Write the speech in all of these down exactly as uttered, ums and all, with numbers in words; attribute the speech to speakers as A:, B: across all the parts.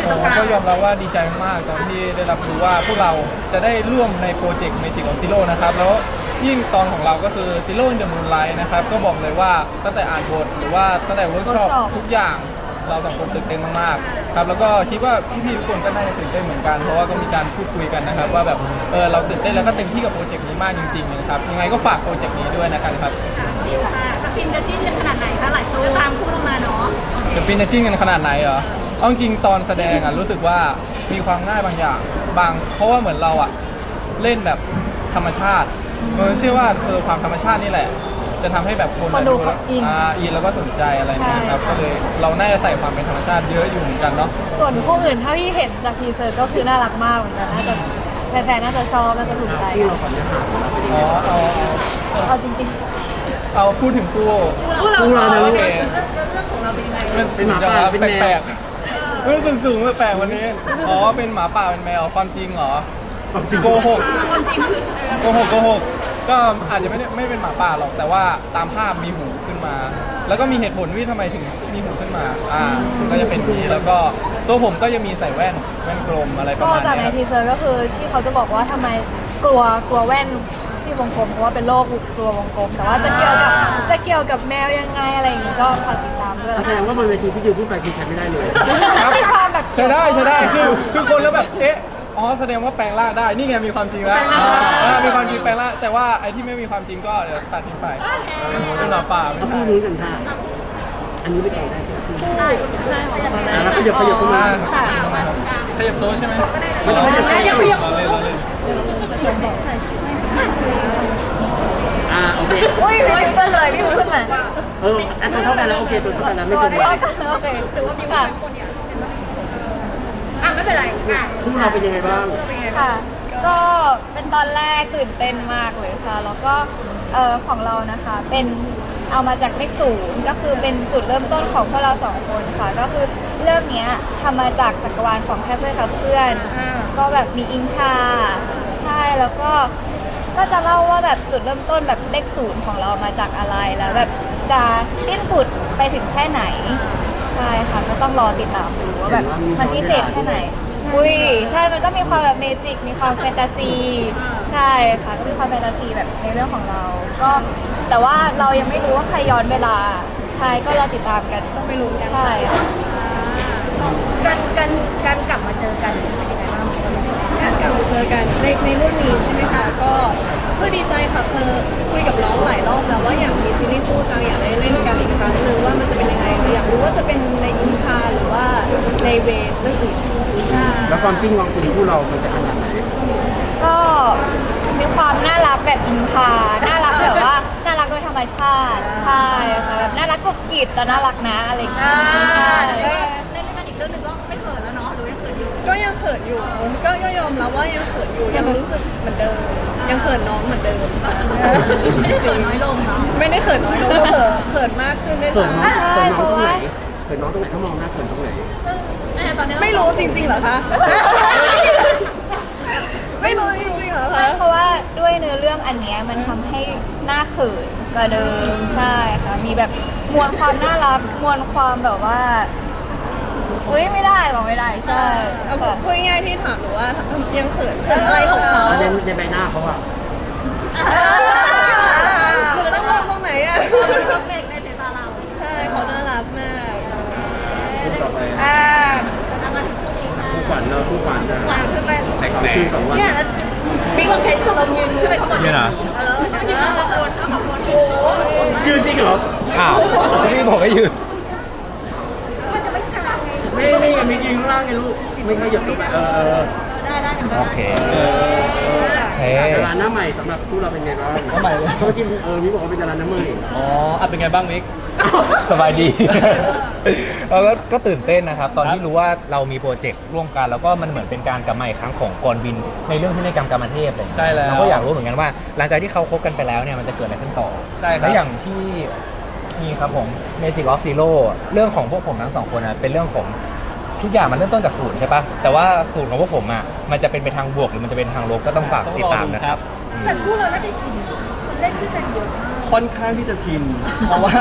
A: ก็ยอมรับว่าดีใจมากตอนที่ได้รับรู้ว่าพวกเราจะได้ร่วมในโปรเจกต์ Magic of Zero นะครับแล้วยิ่งตอนของเราก็คือ Zero in the Moonlight นะครับก็บอกเลยว่าตั้งแต่อ่านบทหรือว่าตั้งแต่เวิร์กช็อปทุกอย่างเราสองคนตื่นเต้นมากๆครับแล้วก็คิดว่าพี่ๆทุกคนก็น่าจะตื่นเต้นเหมือนกันเพราะว่าก็มีการพูดคุยกันนะครับว่าแบบเออเราตื่นเต้นแล้วก็เต็มที่กับโปรเจกต์นี้มากจริงๆนะครับยังไงก็ฝากโปรเจกต์นี้ด้วยนะครับ
B: จะฟินจะจิ้นกันขนาดไหนคะหลายคนตามคู่ลงมาเนาะ
A: จะฟินจะจิ้นกันขนาดไหนเหรอเอาจริงตอนแสดงอ่ะรู้สึกว่ามีความง่ายบางอย่างบางเพราะว่าเหมือนเราอ่ะเล่นแบบธรรมชาติเราเชื่อว่าเออความธรรมชาตินี่แหละจะทำให้แบบคน
C: ดูเขาอิน
A: อินแล้วก็สนใจอะไรเนี่ยครับก็เลยเราน่าจะใส่ความเป็นธรรมชาติเยอะอยู่เหมือนกันเนาะ
C: ส่วนคู่อื่นเท่าที่เห็นจากทีเซอร์ก็คือน่ารักมากเหมือนกันน่าจะแฟนๆน่าจะชอบน่าจะถูกใจ
A: อ๋อเอา
C: เอาจริง
A: ๆเอาพูดถึงคู่
B: คู่เรา
A: เ
B: รื่อง
A: เ
B: รื่องของเราเป็นยังไง
A: เป็นหมาป่าเป็นแปลกๆเรื่องสูงๆแปลกๆวันนี้อ๋อเป็นหมาป่าเป็นแมวความจริงเหรอโกหกโกหกโกหกก็อาจจะไม่ได้ไม่เป็นหมาป่าหรอกแต่ว่าตามภาพมีหูขึ้นมา แล้วก็มีเหตุผลว่าทำไมถึงมีหูขึ้นมาอ่าก็จะเป็นนี้แล้วก็ตัวผมก็จะมีใส่แว่นแว่นกลมอะไรประมาณนี้
C: ก็จากในทีเซอร์ก็คือที่เขาจะบอกว่าทำไมกลัวกลัวแว่นที่วงกลมเพราะว่าเป็นโรคกลัววงกลมแต่ว่าจะเกี่ยวกับจะเกี่ยวกับแมวยังไงอะไรอย่างงี้ก็ฝากติดตามด้วย
D: แสดงว่าบนเวทีพี่ดิวพูดไปคือใช้ไม่ได้เลย
C: มีความแบบ
A: ใช้ได้ใช้ได้คือคือคนแล้วแบบเอ๊ะอ๋อแสดงว่าแปลงร่างได้นี่ไงมีความจริงแล้วมีความจริงแปลงร่างแต่ว่าไอ้ที่ไม่มีความจริงก็เดี๋ยวตัดทิ้งไปเป็นหมาป่าไม่
D: ใช่พูดนี้กันค่ะอันนี้ไม่ได้ได้
C: ใช่ใช่ของเรา
D: แล้วขยับขยับเข้ามา
A: ขยับโต๊ะใช่ไหม
D: ไม่ต้องขยับขยับ
A: เราเล่นเราเล่น
D: อ่าโอเค
C: อุ้ยไม่ขึ้นเลยพี่ขึ้นมา
D: เอออันตัวเท่ากันแล้วโอเคตัวเท่ากันแล้วไม่เกินไป
C: โอเคถือว่ามีค่ะ
B: อ่ะไม่เป็นไร
D: คู่เราเป็นยังไงบ้าง
C: ค่ะก็เป็นตอนแรกตื่นเต้นมากเลยค่ะแล้วก็เออของเรานะคะเป็นเอามาจากเลขศูนย์ก็คือเป็นจุดเริ่มต้นของพวกเราสองคนค่ะก็คือเรื่องนี้ทำมาจากจักรวาลของแค่เพื่อนกับเพื่อนก็แบบมีอิงคาใช่แล้วก็ก็จะเล่าว่าแบบจุดเริ่มต้นแบบเลขศูนย์ของเรามาจากอะไรแล้วแบบจะสิ้นสุดไปถึงแค่ไหนใช่ค่ะก็ต้องรอติดตามดูว่าแบบมันพิเศษแค่ไหนอุ้ยใช่มันก็มีความแบบเมจิกมีความแฟนตาซีใช่ค่ะก็มีความแฟนตาซีแบบในเรื่องของเราก็แต่ว่าเรายังไม่รู้ว่าใครย้อนเวลาใช่ก็รอติดตามกัน
B: ต้องไม่รู้กัน
C: ใช่
B: การการการกลับมาเจอกันเป็นยังไงบ้างการกลับมาเจอกันในในเรื่องนี้ใช่ไหมคะก็ก็ดีใจค่ะเธอคุยกับน้องหลายรอบแล้วว่าอยากมีซีรีส์คู่จังอยากได้เล่นกันอีกครั้งนึงว่ามันจะเป็นยังไงอยากรู้ว่าจะเป็นในอินคาหรือว่าในเวทเรื่องอื่น
D: แล้วความจริงของคุณคู่เรามันจะขนาดไหน
C: ก็มีความน่ารักแบบอินพาน่ารักแบบว่าน่ารักโดยธรรมชาติใช่ค่ะแบบน่ารักกรุบกริบแต่น่ารักนะอะไรอย่างเงี้ย
B: เล่นด้วยกันอีกเรื่องนึงก็ไม่เขินแล้วเนาะหรือยังเขินอยู่ก็ยังเขินอยู่ก็ก็ยอมรับว่ายังเขินอยู่ยังรู้สึกเหมือนเดิมยังเขินน้องเหมือนเดิมไม่ได้เขินน้อยลงเนาะไม่ได้เขินน้อยลงก็เขินเขินมากขึ้นด้วยซ้ำ
D: เขินน้องตรงไหนเขินน้องตรงไหนถ้ามองหน้าเขินตรงไหน
B: ไม่รู้จริงๆเหรอคะไม่รู้จริงๆเหรอคะ
C: เพราะว่าด้วยเนื้อเรื่องอันเนี้ยมันทำให้หน้าเขินกว่าเดิมใช่ค่ะมีแบบมวลความน่ารักมวลความแบบว่าอุ้ยไม่ได้บอกไม่ได้ใช่
B: พูดง่ายๆที่ถามหนูว่ายังเขินเขินอะไรของเขา
D: ในในใบหน้าเขาอะ
B: หนูต้องมองตรงไหนอะเขาเบรกในสายตาเราใช่เขาน่ารักมาก
D: อ่าผู้ฝันเนาะผู้ฝันจะ
B: ขึ้นไป
D: แต่งคืนสองวัน
B: เนี่ยแล้วมีคนเพชรลงยืนขึ้นไปข้างบนเนี่ยนะเออเดี๋ยวขอบคุณขอบคุณโอ้
D: ยืนจริงเหรอ
A: อ้าวพี่บอกให้ยืน
B: มันจะไม่กลางไง
D: ไม่ไม่มียืนข้างล่างไงลูกไม่ขยับลงไปเออ
B: ได้ได้
A: โอเค
D: ดาราหน้าใหม่สำหรับคู่เราเป็นไงบ้าง
A: หน้าใหม่เลย
D: เมื่อกี้เออมิกบอกว่าเป็นดาราหน้าใหม่
A: อ๋ออ่ะเป็นไงบ้างมิกสบายดีเราก็ก็ตื่นเต้นนะครับตอนที่รู้ว่าเรามีโปรเจกต์ร่วมกันแล้วก็มันเหมือนเป็นการกลับมาอีกครั้งของกรบินในเรื่องที่ในกรรมกรรมเทพใช่แล้วเราก็อยากรู้เหมือนกันว่าหลังจากที่เขาคบกันไปแล้วเนี่ยมันจะเกิดอะไรขึ้นต่อใช่ครับแล้วอย่างที่นี่ครับผม Magic of Zero เรื่องของพวกผมทั้งสองคนนะเป็นเรื่องของทุกอย่างมันเริ่มต้นจากศูนย์ใช่ปะแต่ว่าศูนย์ของพวกผมอ่ะมันจะเป็นไปทางบวกหรือมันจะเป็นทางลบก็ต้องฝากติดตามนะครับ
B: แต่คู่เราได้ชินเล่นด้วยกันเยอะ
A: ค่อนข้างที่จะชินเพราะว่า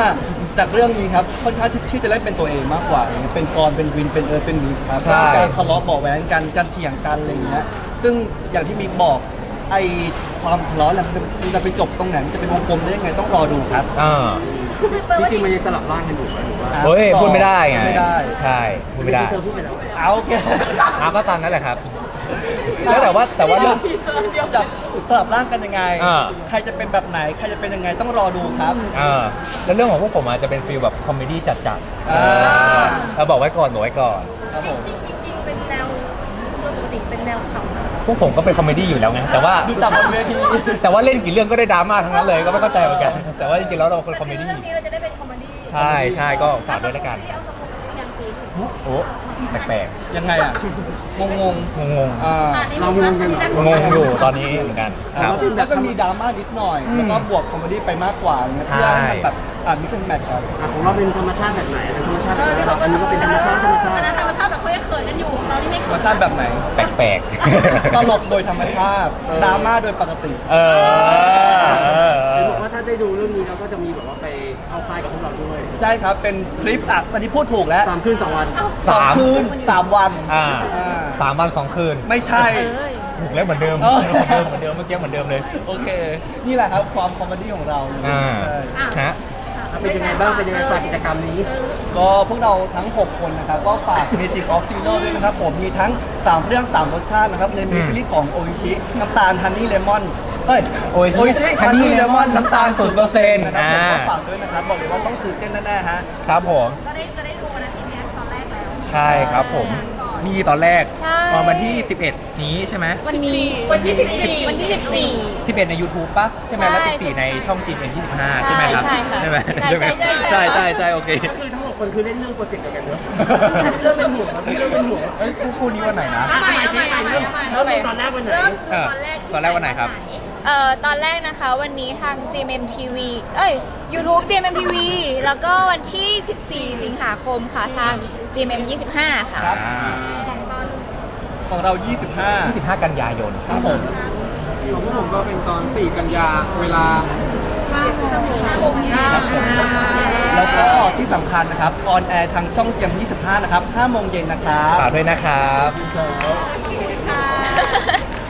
E: จากเรื่องนี้ครับค่อนข้างที่จะเล่นเป็นตัวเองมากกว่าอย่างเงี้ยเป็นกรเป็นวินเป็นเอิร์ธเป็นมิกครับ
A: ใช่
E: การทะเลาะเบาะแว้งกันการเถียงกันอะไรอย่างเงี้ยซึ่งอย่างที่มิกบอกไอความทะเลาะเนี่ยมันจะไปจบตรงไหนมันจะเป็นวงกลมได้ยังไงต้องรอดูครับ
A: อ่า
D: จริงๆมันยังสลับร่างกันอยู่ไหมหรือว่า
A: เฮ้ยพูดไม่ได้ไง
E: ไม่ได้
A: ใช่พูดไม่ได้
D: เซอร์พูดไปแล้ว
E: เอาโอเค
A: เอาก็ตามนั้นแหละครับ แล้วแต่ว่าแต่ว่าเรื่อง
E: จะสลับร่างกันยังไง
A: อ่า
E: ใครจะเป็นแบบไหนใครจะเป็นยังไงต้องรอดูครับ
A: เออแล้วเรื่องของพวกผมอาจจะเป็นฟีลแบบคอมเมดี้จัดๆ
E: อ่า
A: เราบอกไว้ก่อนบอกไว้ก่อน
E: ครับผม
B: จริงๆจริงๆเป็นแนวปกติเป็นแนวขำนะ
A: พวกผมก็เป็นคอมเมดี้อยู่แล้วไงแต่ว่า
E: ดูตามบนเวที
A: แต่ว่าเล่นกี่เรื่องก็ได้ดราม่าทั้งนั้นเลยก็ไม่เข้าใจเหมือนกัน แต่ว่าจริงๆแล้วเราเป็นคอมเมดี้
B: เรื่องนี้เราจะได้เป็นคอมเมดี้
A: ใช่ใช่ก็ฝากด้วยแล้วกัน
B: อย่างสี
A: โอ้แปลก
E: ยังไงอ่ะงงง
A: ๆงง
E: ๆอ่า
D: เรางงกันเหรอ
A: ๆงงอยู่ตอนนี้เหมือนกันครับ
E: แล้วก็มีดราม่านิดหน่อย แล้วก็บวกคอมเมดี้ไปมากกว่าอย่างเงี้ย
A: ใช่
E: เพื่อให้มันแบบอ่ามิกซ์แมทครับ
D: อ่ะของเราเป็นธรรมชาติแบบไหนเป็นธรรมชาติ
B: เอ
D: แบบ
B: อ
D: ไหนเราอันนี้ก็เป็นธรรมชาติธรรมชาติ
B: อันนั้นธรรมชาติแต่เขายังเขินกันอยู่เรานี่ไม่
E: ธร
B: เขิ
E: รม
B: น
E: ชาติแบบไหน
A: แปลก
E: ตลกโดยธรรมชาติดราม่าโดยปกติ
A: ๆเออเออเอ
D: เห็น
A: อ
D: บอกว่าถ้าได้ดูเรื่องนี้เราก็จะมีแบบว่าไปเข้าค่ายกับพวกเราด้วย
E: ใช่ครับเป็นทริปอ่ะตอนนี้พูดถูกแล้ว
D: สามคืนสองวัน
E: สองคืนสามวัน
A: อ่า
E: อ่า
A: สามวันสองคืน
E: ไม่ใช่
A: ถูกแล้วเหมือนเดิม
E: เออ
A: เหมือนเดิมเหมือนเดิมเมื่อกี้เหมือนเดิมเลย
E: โอเค นี่แหละครับความคอมเมดี้ของเรา
A: อ่า
E: ใช่
A: ฮะ
D: เป็นยังไงบ้างเป็นยังไงฝากกิจกรรมนี้
E: ก็พวกเราทั้ง หก คนนะครับ ก็ฝาก Magic of t i n o ด้วยนะครับ ผมมีทั้ง สาม เรื่อง สาม รสชาตินะครับ ในมิสซิลี่ของโออิชิ น้ำตาลฮันนี่เลมอนเอ้ย
A: Oishi
E: ฮันนี่เลมอน น้ำตาล
A: ศูนย์เปอร์เซ็นต์
E: นะครับผม
A: อ่า
E: ก็ฝากด้วยนะครับ บอกเลยว่าต้องตื่นเต้นแน่ๆฮะ
A: ครับผม
B: ก็ได้จะได้ดูนะทีเนี้ยตอนแรกแล้ว
A: ใช่ครับผม มีตอนแรก
C: ใช่
A: ตอนวันที่ สิบเอ็ด นี้ใช่ไหม
C: วันนี้วันที่สิบสี่วันที่สิบสี่
A: สิบเอ็ดใน YouTube ป่ะ ใช่ไหมแล้ว
C: ใช่
A: สิบสี่ในช่องจีนเอ็นยี่สิบห้าใช่ไหมครับ
C: ใช่ค่ะ
A: ใช่ไหม
C: ใช่
A: ใช่ไหม
C: ใช่
A: ใช่
C: ใช่
A: ใช่ใช่โอเค
D: ก็คือทั้งหมดคนคือเล่นเรื่องโปรเจกต์เดียวกันเนอะเรื่องเป็นห่วงครับเรื่องเป็นห่วง
A: เอ้ยคู่คู่นี้วันไหนนะ
B: เอาใหม่เอาใหม่เอาใหม่เอาใหม่
D: เริ่มดูตอนแรกวันไหน
B: เริ่มดู
A: เออ
B: ตอนแรกที่
A: ตอนแรกวันไหนครับ
C: เอ่อตอนแรกนะคะวันนี้ทาง จี เอ็ม เอ็ม ที วี เอ้ย YouTube จี เอ็ม เอ็ม ที วี แล้วก็วันที่ สิบสี่ สิงหาคมค่ะทาง จี เอ็ม เอ็ม ยี่สิบห้า ค่ะ
E: ครับ
A: อ่า
E: ของเรา ยี่สิบห้า
A: ยี่สิบห้า กันยายนครับผม
D: ของพวกผมก็เป็นตอนสี่กันยาเวลา
E: ครับผมแล้วก็ที่สำคัญนะครับออนแอร์ทางช่องเจียมยี่สิบห้านะครับห้าโมงเย็นนะครับ
A: ฝากด้วยนะครับ
B: ค่ะ